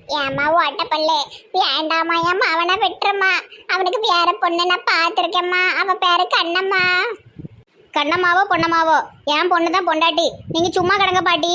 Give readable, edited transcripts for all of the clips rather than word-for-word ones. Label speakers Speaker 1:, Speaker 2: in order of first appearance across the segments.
Speaker 1: ஏமா ஓட்டப்பல்லு வேண்டாமா ஏமா அவனை விட்டுருமா. அவனுக்கு வேற பொண்ணு நான் பார்த்துருக்கேம்மா. அவன் பேரு கண்ணம்மா.
Speaker 2: கண்ணம்மாவோ பொண்ணம்மாவோ என் பொண்ணு தான் பொண்டாட்டி. நீங்க சும்மா கிடங்க பாட்டி.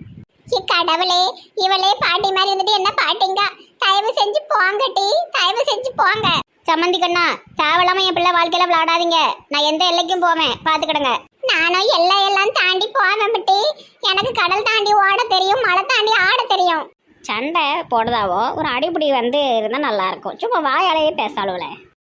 Speaker 1: கடவுளே, இவளே பாட்டி மாதிரி இருந்துட்டு என்ன பாட்டிங்க. தயவு செஞ்சு போங்கட்டி, தயவு செஞ்சு போங்க.
Speaker 2: சம்மந்தி கண்ணா, தேவையில்லாம என் பிள்ளை வாழ்க்கையில விளையாடாதீங்க. நான் எந்த எல்லைக்கும் போவேன், பாத்துக்கிடுங்க.
Speaker 1: நானும் எல்லாம் தாண்டி போவேன் பட்டி. எனக்கு கடல் தாண்டி ஓட தெரியும், மலை தாண்டி ஆட தெரியும்.
Speaker 2: சண்டை போடுதாவோ ஒரு அடிப்படி வந்து இருந்தா நல்லா இருக்கும். சும்மா வாயாலேயே பேசாளுவல.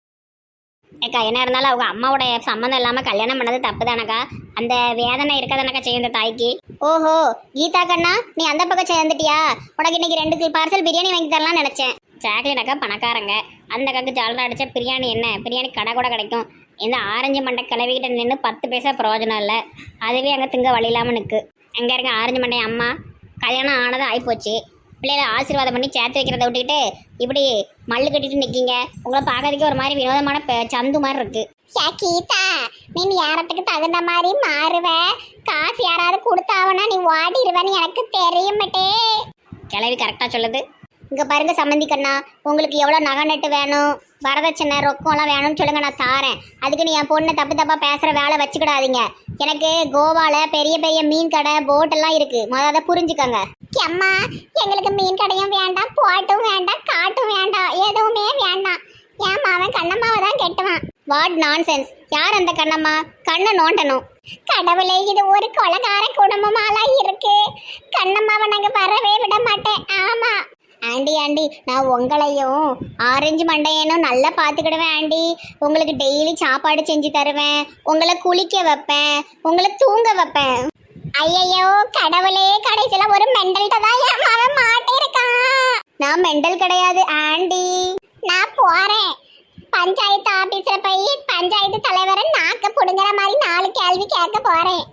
Speaker 2: ஏக்கா என்ன இருந்தாலும் அவங்க அம்மாவுடைய சம்மந்தம் இல்லாம கல்யாணம் பண்ணது தப்பு தானக்கா. அந்த வேதனை இருக்கதானக்கா செய்யும் இந்த தாய்க்கு. ஓஹோ கீதா கண்ணா, நீ அந்த பக்கம் சேர்ந்துட்டியா? உனக்கு இன்னைக்கு 2 பார்சல் பிரியாணி வாங்கி தரலாம்னு நினைச்சேன். சாக்லேட் அக்கா பணக்காரங்க, அந்த அக்காக்கு ஜாலரா அடிச்சா பிரியாணி என்ன பிரியாணி கடை கூட கிடைக்கும். இந்த ஆரஞ்சு மண்டை கிளவிக்கிட்ட நின்று 10 பைசா பிரயோஜனம் இல்லை. அதுவே அங்கே திங்க வழி இல்லாமல் நிற்கு. அங்கே இருக்க ஆரஞ்சு மண்டை அம்மா கல்யாணம் ஆனதும் ஆகிப்போச்சு. பிள்ளைகளை ஆசீர்வாதம் பண்ணி சேர்த்து வைக்கிறத விட்டுக்கிட்டு இப்படி மல்லு கட்டிட்டு நிற்கிங்க. உங்களை பார்க்கறதுக்கு ஒரு மாதிரி வினோதமான சந்து மாதிரி இருக்கு.
Speaker 1: கீதா, நீ நேரத்துக்கு தகுந்த மாதிரி மாறுவ. காசு யாராவது கொடுத்தாவனா நீ ஓடிடுவேன்னு எனக்கு தெரியுமட்டே.
Speaker 2: கிளவி கரெக்டாக சொல்லுது. இங்கே பாருங்க சம்மந்தி கண்ணா, உங்களுக்கு எவ்வளோ நகை நட்டு வேணும், வரதட்சணை ரொக்கம்லாம் வேணும்னு சொல்லுங்க, நான் தாரேன். அதுக்கு நீ என் பொண்ணை தப்பாக பேசுகிற வேலை வச்சுக்கிடாதீங்க. எனக்கு கோவாவில் பெரிய பெரிய மீன் கடை போட்டெல்லாம் இருக்குது, முதல்ல அதை புரிஞ்சுக்கோங்க.
Speaker 1: அம்மா, எங்களுக்கு மீன் கடையும் வேண்டாம், போட்டும் வேண்டாம், காட்டும் வேண்டாம், எதுவுமே வேண்டாம். என் மாவன் கண்ணம்மாவை தான் கெட்டுவான்.
Speaker 2: What nonsense! யார் அந்த கண்ணம்மா? கண்ணை நோண்டணும்.
Speaker 1: கடவுளே, இது ஒரு கொலகார குடும்பமாலாம் இருக்கு. கண்ணம்மாவை நாங்கள் வரவே விட மாட்டேன். ஆமா
Speaker 2: ஆண்டி ஆண்டி, நான் உங்களையும் ஆரஞ்சு மண்டையனும் நல்லா பார்த்துக்கிடுவேன் ஆண்டி. உங்களுக்கு டெய்லி சாப்பாடு செஞ்சு தருவேன், உங்களை குளிக்க வைப்பேன், உங்களை தூங்க வைப்பேன்.
Speaker 1: ஐயையோ கடவுளே, கடைசியில ஒரு மெண்டல்கிட்ட தான் என் மாவன் மாட்டிருக்கான்.
Speaker 2: நான் மெண்டல் கிடையாது ஆண்டி.
Speaker 1: நான் போறேன். பஞ்சாயத்து ஆபீஸ்ல போய் பஞ்சாயத்து தலைவரை நாக்க புடுங்குற மாதிரி 4 கேள்வி கேட்க போறேன்.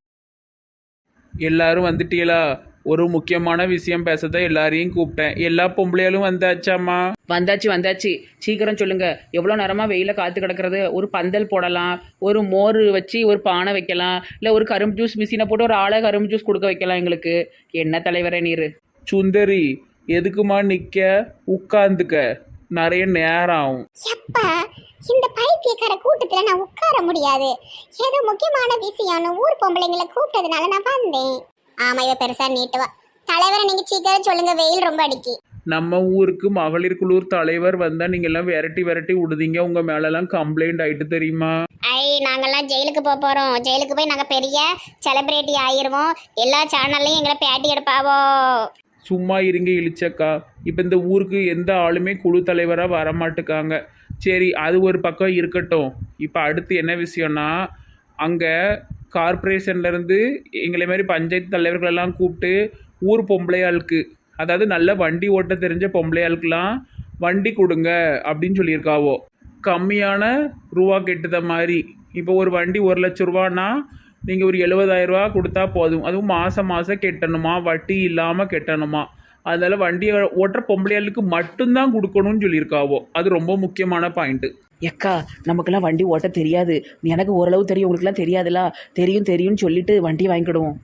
Speaker 3: எல்லாரும் வந்துட்டீங்களா? ஒரு முக்கியமான விஷயம் பேசதான் எல்லாரையும் கூப்பிட்டேன். எல்லா பொம்பளையாலும் வந்தாச்சாம்மா?
Speaker 4: வந்தாச்சு. சீக்கிரம் சொல்லுங்க. எவ்வளோ நேரமாக வெயில காத்து கிடக்கிறது? ஒரு பந்தல் போடலாம், ஒரு மோர் வச்சு ஒரு பானை வைக்கலாம், இல்லை ஒரு கரும்பு ஜூஸ் மிஷினை போட்டு ஒரு ஆளை கரும்பு ஜூஸ் கொடுக்க வைக்கலாம் எங்களுக்கு. என்ன தலைவரே நீர்?
Speaker 3: சுந்தரி, எதுக்குமா நிற்க? உட்காந்துக்க, நிறைய நேரம் ஆகும்.
Speaker 1: எப்பா, இந்த பைத்தியக்கார கூட்டத்துல நான் உட்கார முடியாது. ஏதோ முக்கியமான விஷயம்னு ஊர் பொம்பளைங்களை கூப்பிட்டதுனால நான் வந்தேன்.
Speaker 2: ஆமா, இவ பெருசா நீட்டுவா. தலைவரை நீங்க சீக்கிரம் சொல்லுங்க, வெயில் ரொம்ப அடிக்கி.
Speaker 3: நம்ம ஊருக்கு மகளிர் குழு தலைவர் வந்தா நீங்க எல்லாம் விரட்டி விடுதீங்க. உங்க மேலெல்லாம் கம்ப்ளைண்ட் ஆயிட்டு தெரியுமா?
Speaker 2: நாங்கெல்லாம் ஜெயிலுக்கு போறோம். ஜெயிலுக்கு போய் நாங்க பெரிய செலிபிரிட்டி ஆயிருவோம். எல்லா சேனல்லையும் எங்களை பேட்டி எடுப்பாவோ.
Speaker 3: சும்மா இருங்க இழிச்சக்கா. இப்போ இந்த ஊருக்கு எந்த ஆளுமே குழு தலைவராக வரமாட்டுக்காங்க. சரி, அது ஒரு பக்கம் இருக்கட்டும். இப்போ அடுத்து என்ன விஷயம்னா, அங்கே கார்பரேஷன்லேருந்து எங்களை மாதிரி பஞ்சாயத்து தலைவர்களெல்லாம் கூப்பிட்டு ஊர் பொம்பளையாளுக்கு, அதாவது நல்ல வண்டி ஓட்ட தெரிஞ்ச பொம்பளையாளுக்கெல்லாம் வண்டி கொடுங்க அப்படின்னு சொல்லியிருக்காவோ. கம்மியான ரூபா கெட்டுத மாதிரி. இப்போ ஒரு வண்டி 1 லட்ச ரூபான்னா நீங்கள் ஒரு 70,000 ரூபா கொடுத்தா போதும். அதுவும் மாதம் கெட்டணுமா, வட்டி இல்லாமல் கெட்டணுமா. அதனால் வண்டியை ஓட்டுற பொம்பளையாளுக்கு மட்டும்தான் கொடுக்கணும்னு சொல்லியிருக்காவோ. அது ரொம்ப முக்கியமான பாயிண்ட்டு.
Speaker 4: எக்கா, நமக்கெல்லாம் வண்டி ஓட்ட தெரியாது. எனக்கு ஓரளவு தெரியும், உங்களுக்குலாம் தெரியாதுல்ல. தெரியும்னு சொல்லிட்டு வண்டி வாங்கிக்கிடுவோம்.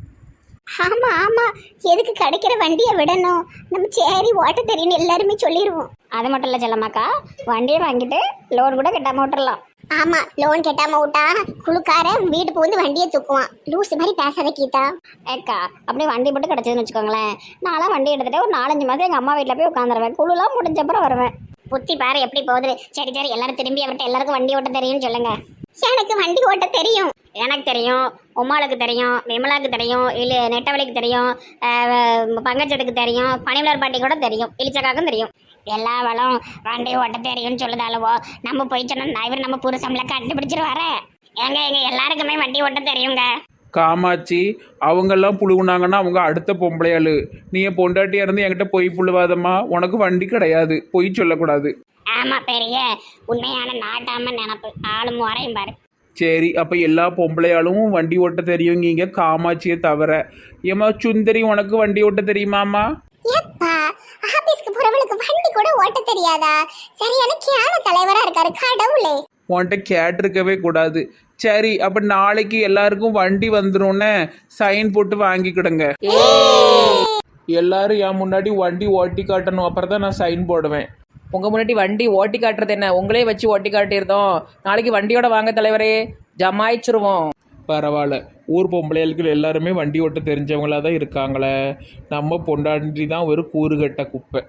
Speaker 1: ஆமா, எதுக்கு கிடைக்கிற வண்டியை விடணும்? நம்ம சரி ஓட்ட தெரியும் எல்லாருமே சொல்லிடுவோம்.
Speaker 2: அது மட்டும் இல்லை செல்லம்மாக்கா, வண்டியை வாங்கிட்டு லோன் கூட கட்டாம விட்டுறலாம்.
Speaker 1: ஆமா, லோன் கட்டாம விட்டா குழுக்காரன் வீட்டுக்கு வந்து வண்டியை தூக்குவான். லூஸ் மாதிரி பேசாத கீதா.
Speaker 2: ஏக்கா, அப்படியே வண்டி மட்டும் கிடச்சதுன்னு வச்சுக்கோங்களேன், நான்லாம் வண்டி எடுத்துகிட்டு ஒரு 4-5 மாதம் எங்கள் அம்மா வீட்டில் போய் உட்காந்துருவேன். குழுலாம் முடிஞ்சப்பறம் வருவேன். புத்தி பாரு எப்படி போகுது. சரி எல்லாரும் திரும்பி அவர்கிட்ட எல்லாருக்கும் வண்டி ஓட்ட தெரியும்னு சொல்லுங்க.
Speaker 1: எனக்கு வண்டி ஓட்ட தெரியும்.
Speaker 2: எனக்கு தெரியும், உமாளுக்கு தெரியும், விமலாவுக்கு தெரியும், இல்லை நெட்டவழிக்கு தெரியும், பங்கஜத்துக்கு தெரியும், பனிமலர் பாட்டி கூட தெரியும், இளிச்சக்காக்கும் தெரியும். எல்லா வளம் வண்டி ஓட்ட தெரியும்னு சொல்லுதாலவோ நம்ம போய் சொன்னா இவர் நம்ம புருஷம்ல கண்டுபிடிச்சிருவாரு. எங்க எல்லாருக்குமே வண்டி ஓட்ட தெரியுங்க.
Speaker 3: காமாட்சி, அவங்கெல்லாம் புழுகுனாங்கன்னா அவங்க அடுத்த பொம்பளையாளு. நீ என் பொண்டாட்டியாக இருந்து என்கிட்ட பொய் புழுவாதம்மா. உனக்கு வண்டி கிடையாது, பொய் சொல்லக்கூடாது.
Speaker 2: ஆமா, பெரிய உண்மையான நாட்டாம நினப்பு. ஆளும் வரையும் பாரு.
Speaker 3: சரி, அப்போ எல்லா பொம்பளையாலும் வண்டி ஓட்ட தெரியுங்க காமாட்சியை தவிர. ஏமா சுந்தரி, உனக்கு வண்டி ஓட்ட தெரியுமாம்மா?
Speaker 1: எப்பா, ஆபீஸ்க்கு போறவளுக்கு வண்டி கூட ஓட்ட தெரியாதா? சரியான கேன தலைவரா இருக்காரு கடவுளே.
Speaker 3: உன்கிட்ட கேட்டிருக்கவே கூடாது. சரி, அப்போ நாளைக்கு எல்லாருக்கும் வண்டி வந்துடும்னு சைன் போட்டு வாங்கிக்கிடுங்க. எல்லாரும் என் முன்னாடி வண்டி ஓட்டி காட்டணும், அப்புறம் தான் நான் சைன் போடுவேன்.
Speaker 4: உங்கள் முன்னாடி வண்டி ஓட்டி காட்டுறது என்ன, உங்களே வச்சு ஓட்டி காட்டியிருந்தோம். நாளைக்கு வண்டியோட வாங்க தலைவரே, ஜமாயிச்சிருவோம்.
Speaker 3: பரவாயில்ல, ஊர் பொம்பளைகளுக்கு எல்லாருமே வண்டி ஓட்ட தெரிஞ்சவங்களா தான் இருக்காங்களே. நம்ம பொண்டாட்டி தான் ஒரு கூறுகட்ட குப்பை.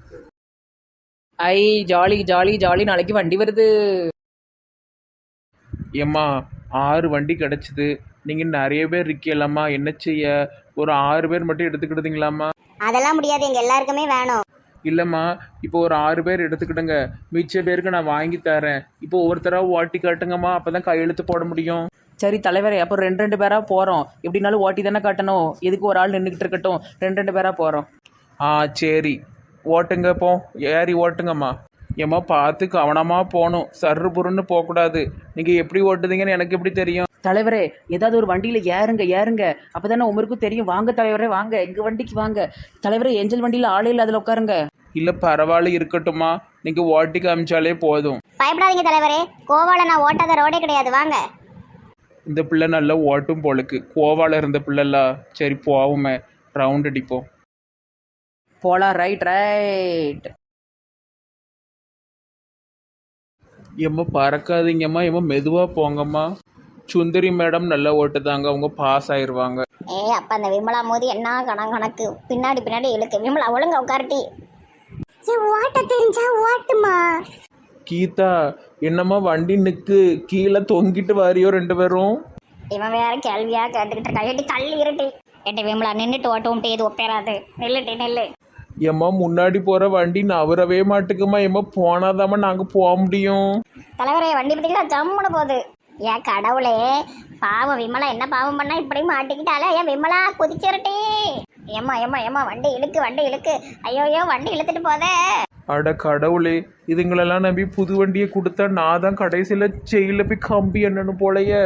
Speaker 4: ஐ ஜாலி ஜாலி ஜாலி, நாளைக்கு வண்டி வருது.
Speaker 3: ஏம்மா 6 வண்டி கிடச்சிது, நீங்கள் நிறைய பேர் இருக்கலாமா, என்ன செய்ய? ஒரு 6 பேர் மட்டும் எடுத்துக்கிட்டீங்களாம்மா?
Speaker 2: அதெல்லாம் முடியாது, எங்க எல்லாருக்குமே வேணும்.
Speaker 3: இல்லைம்மா, இப்போ ஒரு 6 பேர் எடுத்துக்கிடுங்க, மிச்ச பேருக்கு நான் வாங்கி தரேன். இப்போ ஒவ்வொருத்தராக ஓட்டி காட்டுங்கம்மா, அப்போ தான் கையெழுத்து போட முடியும்.
Speaker 4: சரி தலைவரே, அப்போ 2 பேராக போகிறோம். எப்படினாலும் ஓட்டி தானே காட்டணும், எதுக்கு ஒரு ஆள் நின்றுக்கிட்டு இருக்கட்டும். 2 பேராக போகிறோம்.
Speaker 3: சரி, ஓட்டுங்க, போ ஏறி ஓட்டுங்கம்மா. ஏம்மா பார்த்து கவனமாக போகணும், சர்ரு புருன்னு போகக்கூடாது. நீங்கள் எப்படி ஓட்டுதீங்கன்னு எனக்கு எப்படி தெரியும்?
Speaker 4: தலைவரே, ஏதாவது ஒரு வண்டியில் ஏறுங்க ஏறுங்க, அப்போ தானே உமருக்கும் தெரியும். வாங்க தலைவரே வாங்க, எங்கள் வண்டிக்கு வாங்க. தலைவரே, ஏஞ்சல் வண்டியில் ஆளே இல்லை, அதில் உட்காருங்க.
Speaker 3: இல்லை பரவாயில்ல, இருக்கட்டும்மா, நீங்கள் ஓட்டி காமிச்சாலே போதும்.
Speaker 2: பயப்படாதீங்க தலைவரே, கோவால நான் ஓட்டாத ரோடே கிடையாது, வாங்க.
Speaker 3: இந்த பிள்ளை நல்லா ஓட்டும் போலுக்கு, கோவாவில் இருந்த பிள்ளைல. சரி போவோமே, ரவுண்ட் அடிப்போம்.
Speaker 4: போலாம், ரைட் ரைட்.
Speaker 3: ஏம்மா பறக்காதீங்கம்மா, ஏம்மா மெதுவாக போங்கம்மா. சுந்தரி மேடம் நல்லா ஓட்டுதாங்க, அவங்க பாஸ் ஆயிடுவாங்க.
Speaker 2: அப்ப அந்த விமலா மோதி என்ன கணக்கு பின்னாடி பின்னாடி இழுக்கு. விமலா ஒழுங்க உட்காரட்டி.
Speaker 1: ஓட்ட தெரிஞ்சா ஓட்டுமா.
Speaker 3: கீதா, என்னம்மா வண்டி நிற்கு, கீழே தொங்கிட்டு வாரியோ 2 பேரும்?
Speaker 2: இவன் வேற கேள்வியா கேட்டுக்கிட்டு இருக்கா. எட்டி தள்ளி இருட்டி. எட்டி விமலா நின்றுட்டு ஓட்டவும் இது ஒப்பேராது. நெல்லுட்டி நெல்லு.
Speaker 3: ஏம்மா முன்னாடி போகிற வண்டி நவரவே மாட்டுக்குமா, ஏம்மா போனாதாம்மா நாங்கள் போக முடியும்.
Speaker 2: தலைவரே, வண்டி பத்திங்களா ஜம்முன்னு போகுது. ஏன் கடவுளே, பாவம் விமலா என்ன பாவம் பண்ணா இப்படி மாட்டிக்கிட்டாலே. ஏன் விமலா குதிச்சிருட்டி. ஏம்மா ஏம்மா ஏம்மா வண்டி இழுக்கு வண்டி இழுக்கு. ஐயோ வண்டி இழுத்துட்டு போதே.
Speaker 3: அட கடவுளே, இதுங்களெல்லாம் நம்பி புது வண்டியை கொடுத்தா நான் தான் கடைசியில் ஜெயிலில் போய் கம்பி என்னன்னு போலையே.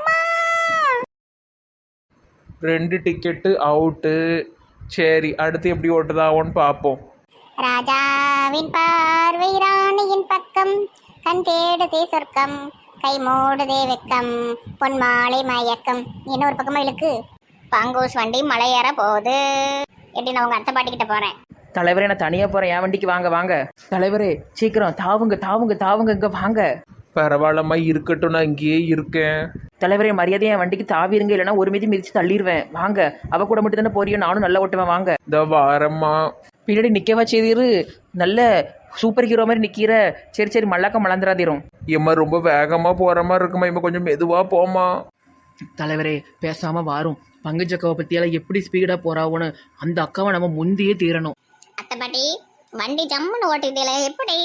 Speaker 3: 2 டிக்கெட்டு அவுட்டு. சரி, அடுத்து எப்படி ஓட்டுதாவோன்னு பார்ப்போம்.
Speaker 1: ராஜாவின் பார்வை ராணியின் பக்கம், கண் தேடுதே சொர்க்கம், கை மூடுதே வெக்கம், பொன் மாலை மயக்கம். என்ன ஒரு பக்கமா இழுக்கு.
Speaker 2: பாங்கூஸ் வண்டி மலை ஏற போகுது. எப்படி நான் உங்க அத்தை பாட்டிக்கிட்ட போறேன்.
Speaker 4: தலைவரே, நான் தனியாக போகிறேன், என் வண்டிக்கு வாங்க வாங்க. தலைவரே சீக்கிரம் தாவுங்க தாவுங்க தாவுங்க, இங்கே வாங்க.
Speaker 3: பரவாயில்லம்மா, இருக்கட்டும், நான் இங்கேயே இருக்கேன்.
Speaker 4: தலைவரே, மரியாதையை என் வண்டிக்கு தாவிருங்க, இல்லைன்னா ஒரு மீதி மிதிச்சு தள்ளிடுவேன். வாங்க, அவ கூட மட்டும் தானே போறியோ, நானும் நல்லா ஓட்டுவேன். வாங்க.
Speaker 3: இந்த வாரம்மா.
Speaker 4: பின்னாடி நிற்கவா செய்திரு, நல்ல சூப்பர் ஹீரோ மாதிரி நிற்கிற. சரி சரி, மல்லாக்க மலந்துராதிரும்.
Speaker 3: ஏம்மா ரொம்ப வேகமாக போகிற மாதிரி இருக்குமா, இம்மா கொஞ்சம் மெதுவாக போமா.
Speaker 4: தலைவரே, பேசாமல் வாரும். பங்குச்சக்காவை பற்றியெல்லாம் எப்படி ஸ்பீடாக போகிறாவோன்னு அந்த அக்காவை நம்ம முந்தியே தீரணும்.
Speaker 2: அத்தை பாட்டி, வண்டி ஜம்முன்னு ஓட்டிட்டீல எப்படி?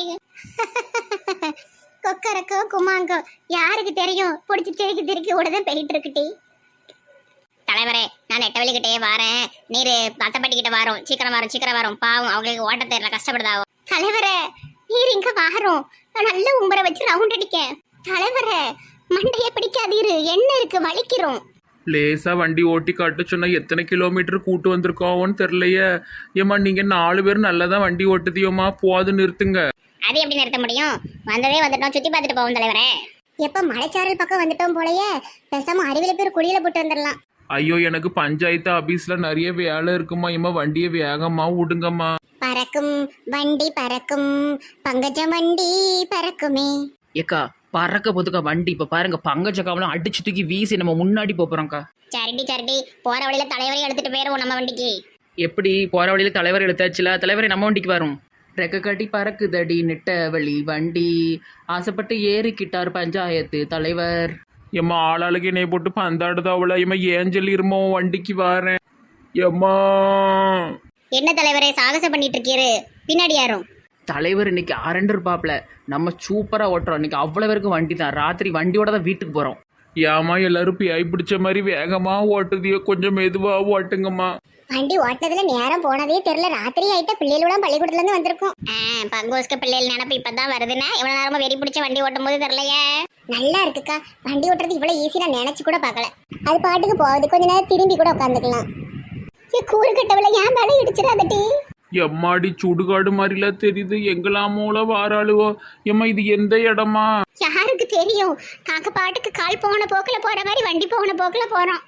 Speaker 1: கொக்கரக்கோ குமாங்கோ யாருக்கு தெரியும். பிடிச்சி திருக்கி திருக்கி ஓடதான் போயிட்டு இருக்குட்டி.
Speaker 2: தலைவரே, நான் நெட்டவழிக்கிட்டே வரேன், நீர் அத்தை பாட்டிக்கிட்ட வரோம். சீக்கிரம் வரும். பாவம், அவங்களுக்கு ஓட்ட தெரியல, கஷ்டப்படுதாவோ.
Speaker 1: தலைவரே, நீர் இங்க வாரோம். நான் நல்ல உம்பரை வச்சு ரவுண்ட் அடிக்கேன். தலைவரே, மண்டையை பிடிக்காதீரு, என்ன இருக்கு வலிக்கிறோம்.
Speaker 3: லேசாக வண்டி ஓட்டி காட்ட சொன்னால் எத்தனை கிலோமீட்டர் கூட்டு வந்திருக்கோன்னு தெரிலையே. ஏம்மா நீங்கள் 4 பேர் நல்லா தான் வண்டி ஓட்டுதியோம்மா, போது நிறுத்துங்க.
Speaker 2: அது எப்படி நிறுத்த முடியும்? வந்ததே வந்துட்டோம், சுற்றி பார்த்துட்டு போவோம் தலைவரே.
Speaker 1: எப்ப மலைச்சாரல் பக்கம் வந்துட்டோம் போலயே, பேசாம அறிவில பேர் குடியில போட்டு வந்துடலாம்.
Speaker 3: ஐயோ, எனக்கு பஞ்சாயத்து ஆபீஸில் நிறைய வேலை இருக்குமா, ஏம்மா வண்டியை வேகமாக விடுங்கம்மா.
Speaker 1: பறக்கும் வண்டி பறக்கும், பங்கஜ வண்டி பறக்குமே.
Speaker 4: ஏக்கா, பறக்க போதுக்கா வண்டி. இப்போ பாருங்க, பங்கச்சக்காவெல்லாம் அடிச்சு தூக்கி வீசி நம்ம முன்னாடி போகிறோம்க்கா.
Speaker 2: சரிடி, போற வழியில தலைவரையும் எடுத்துட்டு போயிருவோம் நம்ம வண்டிக்கு.
Speaker 4: எப்படி போகிற வழியில் தலைவர் எழுத்தாச்சுல, தலைவரை நம்ம வண்டிக்கு வரும். ரெக்க கட்டி பறக்குதடி நெட்ட வழி வண்டி, ஆசைப்பட்டு ஏறிக்கிட்டார் பஞ்சாயத்து தலைவர்.
Speaker 3: ஏம்மா ஆளாளுக்கு என்னை போட்டு பந்தாடுதா அவளை. ஏம்மா ஏஞ்சல் இருமோ, வண்டிக்கு வரேன். ஏம்மா
Speaker 2: என்ன தலைவரே சாகசம் பண்ணிட்டு இருக்கீரு? பின்னாடி யாரும்?
Speaker 4: தலைவர் இன்னைக்கு அரண்டு இருப்பாப்ல, நம்ம சூப்பராக ஓட்டுறோம் இன்னைக்கு. அவ்வளோ பேருக்கு வண்டி தான், ராத்திரி வண்டியோட தான் வீட்டுக்கு போகிறோம்.
Speaker 3: ஏம்மா எல்லாரும் பியாய் பிடிச்ச மாதிரி வேகமாக ஓட்டுதியோ, கொஞ்சம் மெதுவாக ஓட்டுங்கம்மா.
Speaker 1: வண்டி ஓட்டினதுல நேரம் போனதே தெரியல. ராத்திரி ஆயிட்ட, பிள்ளைகளோட பள்ளிக்கூடத்துல இருந்து வந்திருக்கோம்.
Speaker 2: பங்கோஸ்க்கு பிள்ளைகள் நினப்பு இப்பதான் வருதுன்னா, இவ்வளவு நேரமா வெறி பிடிச்ச வண்டி ஓட்டும் போது தெரியலையே.
Speaker 1: நல்லா இருக்குக்கா, வண்டி ஓட்டுறது இவ்வளவு ஈஸி நான் நினைச்சு கூட பார்க்கல. அது பாட்டுக்கு போகுது, கொஞ்ச நேரம் திரும்பி கூட உட்காந்துக்கலாம். கூறு கட்டவில்லை, ஏன் மேலே இடிச்சிடாதட்டி.
Speaker 3: எம்மாடி சுடுகாடு மாதிரிலாம் தெரியுது, எங்கெல்லாமோல வாராளுவோ. ஏம்மா இது எந்த இடமா?
Speaker 1: யாருக்கு தெரியும், நாங்க பாட்டுக்கு கால் போன போக்குல போற மாதிரி வண்டி போன போக்குல போறோம்.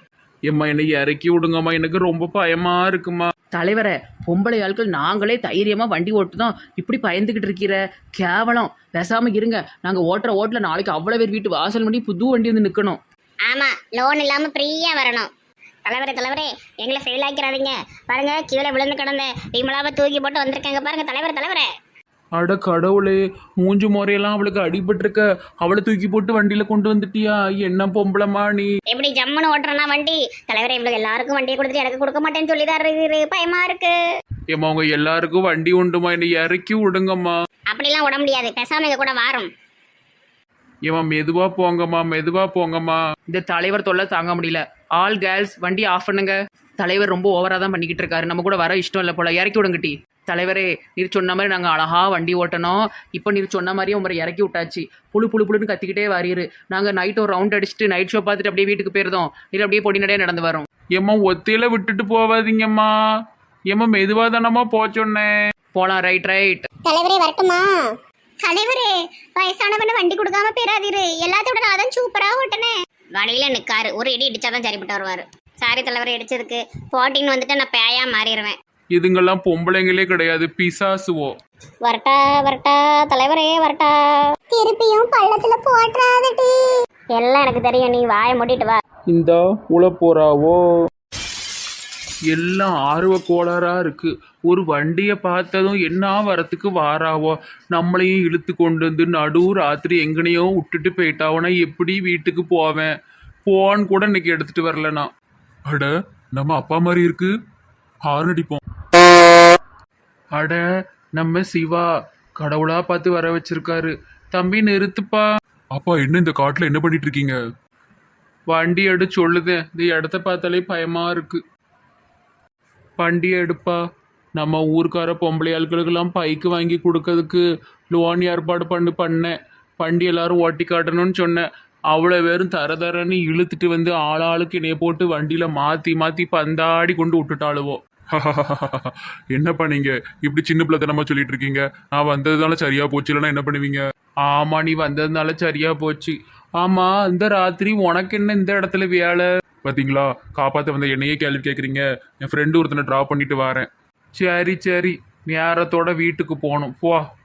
Speaker 3: ஏம்மா என்னை இறக்கி விடுங்கம்மா, எனக்கு ரொம்ப பயமா இருக்குமா.
Speaker 4: தலைவரை பொம்பளை ஆட்கள் நாங்களே தைரியமாக வண்டி ஓட்டுதான் இப்படி பயந்துக்கிட்டு இருக்கிற கேவலம். பேசாமல் இருங்க. நாங்கள் ஓட்டுற ஓட்டில் நாளைக்கு அவ்வளோ பேர் வீட்டு வாசல் பண்ணி புது வண்டி வந்து நிற்கணும்.
Speaker 2: ஆமா, லோன் இல்லாம ஃப்ரீயா வரணும். தலைவரே எங்களை ஃபெயில் ஆக்கிறாதீங்க. பாருங்க, கீழே விழுந்து கிடந்த விமலாவை தூக்கி போட்டு வந்திருக்காங்க பாருங்க. தலைவரே
Speaker 3: அட கடவுளே, மூஞ்சு முறையெல்லாம் அவளுக்கு அடிபட்டிருக்க. அவளை தூக்கி போட்டு வண்டியில கொண்டு வந்துட்டியா? என்ன பொம்பளமா நீ?
Speaker 2: எப்படி ஜம்முன்னு ஓட்டுறனா வண்டி? தலைவரே இவங்களுக்கு எல்லாருக்கும் வண்டியை கொடுத்துட்டு எனக்கு கொடுக்க மாட்டேன்னு சொல்லிதான் இருக்குது. பயமா இருக்கு.
Speaker 3: ஏம்மா உங்க எல்லாருக்கும் வண்டி உண்டுமா, என்னை இறக்கி விடுங்கம்மா.
Speaker 2: அப்படிலாம் விட முடியாது. பேசாம எங்க கூட வாரம்.
Speaker 3: ஏம்மா மெதுவா போங்கம்மா, மெதுவா போங்கம்மா.
Speaker 4: இந்த தலைவர் தொல்லை தாங்க முடியல. ஆல் கேர்ள்ஸ் வண்டி ஆஃப் பண்ணுங்க. தலைவர் ரொம்ப ஓவராக தான் பண்ணிக்கிட்டு இருக்காரு. நம்ம கூட வர இஷ்டம் இல்லை போல. இறக்கி விடுங்கட்டி. தலைவரே, நீர் சொன்ன மாதிரி நாங்கள் அழகாக வண்டி ஓட்டணும். இப்போ நீர் சொன்ன மாதிரியே உங்களை இறக்கி விட்டாச்சு. புழுன்னு கத்திக்கிட்டே வாரிரு. நாங்கள் நைட் ஒரு ரவுண்ட் அடிச்சுட்டு நைட் ஷோ பார்த்துட்டு அப்படியே வீட்டுக்கு போயிருந்தோம். நீர் அப்படியே பொடி நடையாக நடந்து வரோம்.
Speaker 3: ஏம்மா ஒத்தையில விட்டுட்டு போவாதீங்கம்மா. ஏம்மா மெதுவா தானம்மா போச்சொன்னேன்.
Speaker 4: போகலாம். ரைட்.
Speaker 1: தலைவரே வரட்டுமா?
Speaker 2: தலைவரே, வயசானவன வண்டி கொடுக்காம பேராதீரு. எல்லாத்தோட நான் தான் சூப்பரா ஓட்டுனேன். வழியில நிக்காரு, ஒரு இடி இடிச்சாதான் சரிப்பட்டு வருவாரு. சாரி தலைவரை, இடிச்சதுக்கு. போட்டின்னு வந்துட்டு நான் பேயா மாறிடுவேன்.
Speaker 3: இதுங்கெல்லாம் பொம்பளைங்களே கிடையாது, பிசாசுவோ.
Speaker 2: வரட்டா தலைவரே, வரட்டா.
Speaker 1: திருப்பியும் பள்ளத்துல போட்டுறாதடி.
Speaker 2: எல்லாம் எனக்கு தெரியும், நீ வாயை மூடிட்டு வா.
Speaker 3: இந்த உள்ள போறாவோ. எல்லாம் ஆர்வ கோளாறா இருக்கு. ஒரு வண்டியை பார்த்ததும் என்ன வரத்துக்கு வாராவோ. நம்மளையும் இழுத்து கொண்டு வந்து நடு ராத்திரி எங்கனையோ விட்டுட்டு போயிட்டாவோனா எப்படி வீட்டுக்கு போவேன்? போன் கூட இன்னைக்கு எடுத்துட்டு வரலனா. அட, நம்ம அப்பா மாதிரி இருக்கு. ஹார்ன் அடிப்போம். அட, நம்ம சிவா கடவுளா பார்த்து வர வச்சிருக்காரு. தம்பி நிறுத்துப்பா. அப்பா, என்ன இந்த காட்டுல என்ன பண்ணிட்டு இருக்கீங்க? வண்டி எடு சொல்லுது. இந்த இடத்த பார்த்தாலே பயமா இருக்கு. வண்டியை எடுப்பா. நம்ம ஊருக்கார பொம்பளை ஆட்களுக்கெல்லாம் பைக்கு வாங்கி கொடுக்கறதுக்கு லோன் ஏற்பாடு பண்ணேன். வண்டி எல்லாரும் ஓட்டி காட்டணும்னு சொன்னேன். அவ்வளோ பேரும் தரன்னு இழுத்துட்டு வந்து ஆளாளுக்கு இணைய போட்டு வண்டியில் மாற்றி பந்தாடி கொண்டு விட்டுட்டாளுவோம். என்ன பண்ணீங்க? இப்படி சின்ன பிள்ளைத்தனமா சொல்லிட்டு இருக்கீங்க. நான் வந்ததுனால சரியா போச்சு, இல்லைன்னா என்ன பண்ணுவீங்க? ஆமா, நீ வந்ததுனால சரியா போச்சு. ஆமா, இந்த ராத்திரி உனக்கு என்ன இந்த இடத்துல வேலை? பார்த்தீங்களா, காப்பாற்ற வந்த என்னையே கேள்வி கேட்குறீங்க. என் ஃப்ரெண்டு ஒருத்தனை ட்ராப் பண்ணிட்டு வரேன். சரி நேரத்தோட வீட்டுக்கு போகணும். போ.